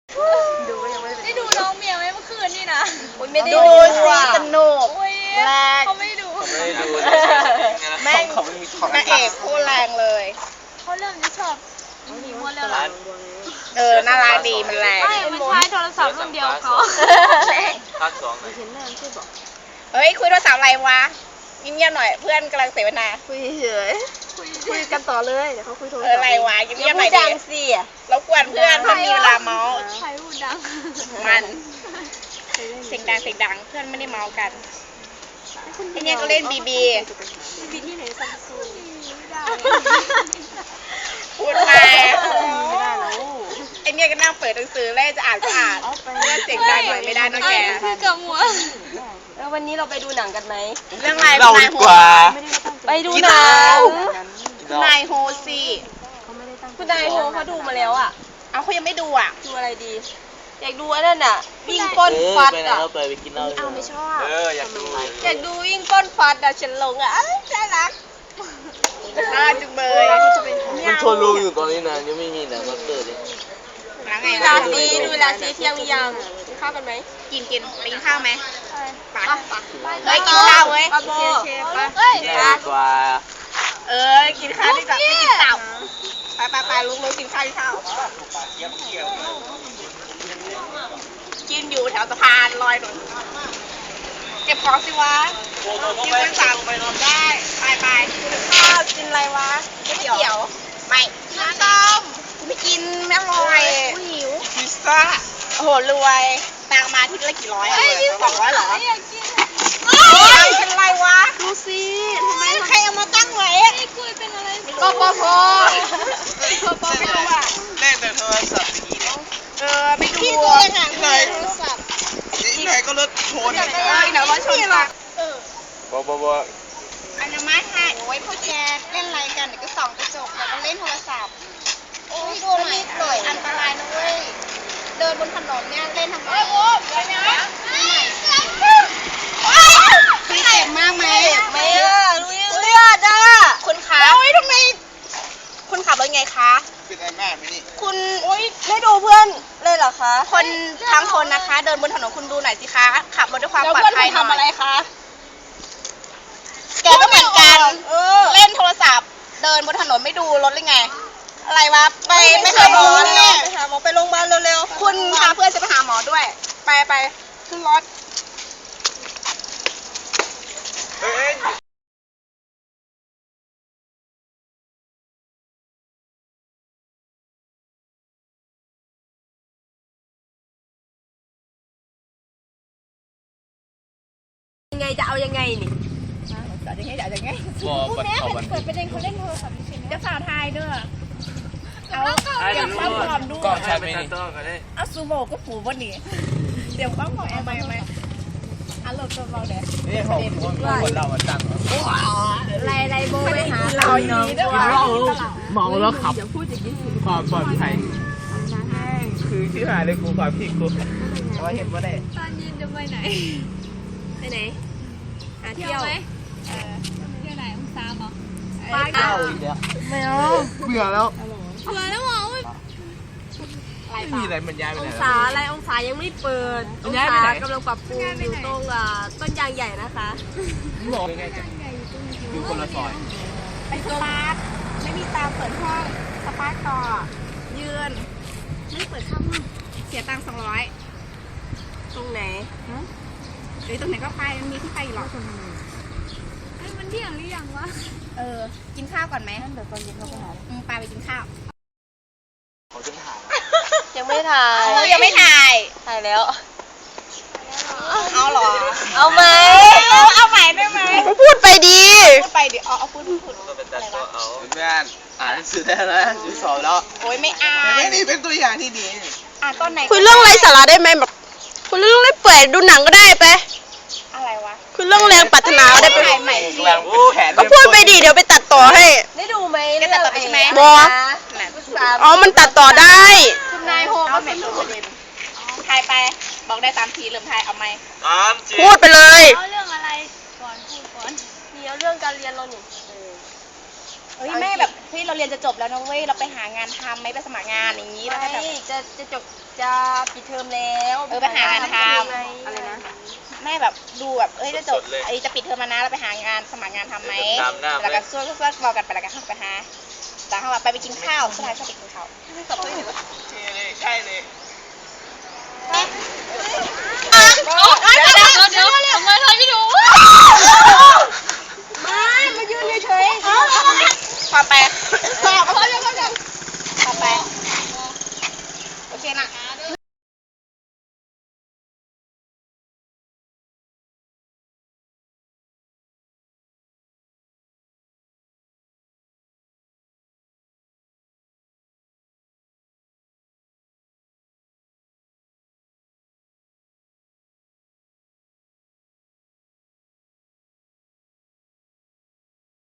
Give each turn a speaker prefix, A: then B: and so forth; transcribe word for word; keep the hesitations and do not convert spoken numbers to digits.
A: ดูก็ยังไม่
B: ได้ดูน้องเมียไหมเมื่อคืนนี่นะ
A: ไม่ได้ดูสนุกแรง
B: เขาไม่ดู
C: ไม่ดู
A: แม่งนางเอกโคตรแรงเลย
B: เขาเริ่มจะชอบมีม้วนแล้วหรอ
A: เออน่ารักดีมันแรง
B: ไม่มันใช้โทรศัพท์รุ่นเดียวเขา
C: ภาคสอง
A: เฮ้ยคุยโทรศัพท์อะไรวะเงียบๆหน่อยเพื่อนกำลังเสวนา
D: คุยเฉยคุยกันต่อเลยเดี๋ยวเขาคุยโทรศัพท์
A: อะไรวะเงียบๆหน่อยดิ
D: สิ
A: แล้วกวนเพื่อนเพื่อนมีเวลาเมาส์
B: ใครพูดดัง
A: มันเสียงดังเสียงดังเพื่อนไม่ได้เมาส์กันไอเนี่ยก็เล่นบีบี
B: บีที่ไหนซัมซุง
A: พูดไปไอเนี่ยก็นั่งเปิดหนังสือแล้วจะอ่านก็อ่านเพื่อนเสียงดังหน่อยไม่ได้นะแก
B: คือกับหัว
D: แล้ววันนี้เราไปดูหนังกันไหม
A: เรื่องอะไร
C: เราดีกว่า
D: ไปดูหนัง
A: นายโฮซี่
D: คุณนายโฮเขาดูมาแล้วอ่ะ
A: เอาเขายังไม่ดูอ่ะ
D: ดูอะไรดีอยากดูอันนั้นอ่ะวิ่งป้นฟัดอ่ะ
C: ไปไปกินเหล้า
A: เอาไม่ชอบ
C: เอออยากดู
D: อยากดูวิ่งป้นฟัดอ่ะฉันลงอ่ะน่ารัก
A: น่าจุงเบย
C: มันชวนลงอยู่ตอนนี้นะยังไม่มีหนังก็เตอร์เลย
D: ดูราซีดูราซีเที่ยงยังกินข้าวกันไหม
A: กินกินไปกินข้าวไหมไปเฮ้ยกินข้าวเว้ย
D: ปาโบ
A: เฮ้ย
C: กว่า
A: เออกินข้าวดีกว่าไม่กินตับไปไปไปลุกลุกกินข้าวกินข้าวกินอยู่แถวสะพานลอยหนุนเก็บของสิวะกินเป็นสั่งไปนอนได้ไปไปกินข้าวกินอะไรวะก๋วยเตี๋ยวไม่น้ำต้มไม่กินไม่อร่อยหิวพิซซ่าโอ้โหรวยตังมาที่ละกี่ร้อยอ่ะสองร้อยเหรอเฮ้ยเป็นไรวะดูสิทำไมใครเอามาตั้งไว้
B: ไอ้กุยเป็นอะไร
A: ปปพปปไม่รู้อ่ะ
C: เล่นแต่โทรศัพท์
A: เออไม่ดูพี่
C: ตัว
A: หนังเลยโทรศัพท์
C: นี่ไหนก็รถชน
A: เออเดี๋ยวรถชนปะเออ
C: บ่บ่บ่
A: อันนี้ไม่ให้โอ้ยพวกแกเล่นอะไรกันเดี๋ยวก็ส่องกระจกแล้วก็เล่นโทรศัพท์โอ้ยดูหน่อยหน่อยอันตรายนะเว้ยเดินบนถนนเนี่ยเล่นทำไมโอ้ยอะไรนะพี่เจ็บมากไหม
D: ไม่อ่ะลุยเลือดอ่ะ
A: คุณขาโอ้ยทำไมคุณขับรถไงคะ
C: เป็นอะไรมากไหมนี่
A: คุณ
D: โอ้ยไม่ดูเพื่อนเลยเหรอคะ
A: คนทั้งคนนะคะเดินบนถนนคุณดูหน่อยสิคะขับรถด้วยความปลอดภัยหน่อยทำอะไรคะแกก็เหมือนกันเล่นโทรศัพท์เดินบนถนนไม่ดูรถเลยไงอะไรวะไปไม่เคยดูเนี่ย
D: ไปหาหมอไปโรงพยาบาลเร็ว
A: ๆคุณพาเพื่อนจะไปหาหมอด้วยไปไปขึ้นรถ
D: ยังไงจะเอายังไงนี่
A: จะยังไงจะยังไง
C: บ่บัดเขาบัด
B: เปิดประเด็นเขาเล่นโทรศัพท์เฉยๆ
A: จะสาวไทยด้วยเอา
C: เดี๋ยวความพร้อมดูก่อนใช่ไหมนี่
A: เอาซูโม่ก็ผูวันนี้เดี๋ยวความพร้อมเอาไปไหมอันรถตัวเราเด็ด
C: นี่ของคนเราตั้ง
A: ไรไรโบไปหาเราอีกด้วย
C: มองแล้วขับความปลอดภัยคือชื่อหาเลยกูความผิดกูแต่ว่าเห็นว่าได้
B: ตอนเย็นจะไปไหน
D: ไปไหนหาเที่ยว
B: ไหมเออเที่ยวไหนองศาหรอ
D: ไปเที่ยวไม่เอา
C: เบื่อแล้ว
B: เบื่อแล้วหรอ
C: ไม่มีอะไรมันย้ายไปไหน
D: องศาอะไรองศายังไม่เปิดองศากำลังปรับปรุงอยู่ตรงต้นยางใหญ่นะคะ
C: บอกยังไงจะอยู่คนละซอย
A: ไปสปาร์คไม่มีตามเปิดห้องสปาร์คต่อยืนไม่เปิดค่าห้องเสียตังค์สองร้อย
D: ตรงไหน
A: หรือตรงไหนก็ไปมันมีที่ไปอยู่หรอก
B: ไอ้มันเที่ยงหรือยังวะ
A: เออกินข้าวก่อนไหมเดี๋ยวตอนเย็นเราไปหาอืมไปไปกินข้าว
C: เขาจะถ่าย
D: ยังไม่ถ่าย
A: เออยังไม่ถ่าย
D: ถ่ายแล้ว
A: เอาหรอ
D: เอาไหม
A: เอาเอาใหม่ได้ไหม
D: พูดไปดี
A: พูดไปดิเอาเอาพูดพูด
C: อะไรวะเพื่อนอ่านหนังสือได้แล้วอยู่สอบแล้ว
A: โอ้ยไม่อ่าน
C: ไม่นี่เป็นตัวอย่างที่ดี
A: อ่านตอนไหน
D: คุยเรื่องไรสาระได้ไหมแบบคุยเรื่องไรเปื่อยดูหนังก็ได้ไป
A: อะไรวะ
D: คุยเรื่องแรงปรารถนาได้ไปก็พูดไปดีเดี๋ยวไปตัดต่อให้
B: ได้ดูไหม
A: ได้ตัดต่อใช่ไหม
D: บออ๋อมันตัดต่อได้
A: คุณนายโฮเอาเม็ดตัวประเด็นทายไปบอกได้ตามทีเริ่มทายเอาไหม
D: พูดไปเลย
B: เอาเรื่องอะไรก่อนพูดก่อน
D: นี่เอาเรื่องการเรียนเราหนิ
A: เเฮ้ยแม่แบบเฮ้ยเราเรียนจะจบแล้วนะเว้ยเราไปหางานทำไหมไปสมัครงานอย่างนี้แล้วก็แบบ
D: จะจะจบจะปิดเทอมแล้ว
A: เออไปหางานทำ
D: อะไรนะ
A: แม่แบบดูแบบเอ้ยจะจบไอ้จะปิดเทอมแล้วนะเราไปหางานสมัครงานทำไหม
C: ตามหน้า
A: แล้วก็ช่วยช่วยบอกกันไปแล้วกันเข้าไปหาแต่เขาแบบไปไปกินข้าวสุดท้ายก็ไปกินข้าวจบด้วยหนู
C: ใช่เลย
A: เดี๋ยวเดี๋ยว
B: เดี๋ยวเดี๋ยวทำไมเธอไม่ดู
A: มามายืนเฉยๆพอไป
B: เขาจะ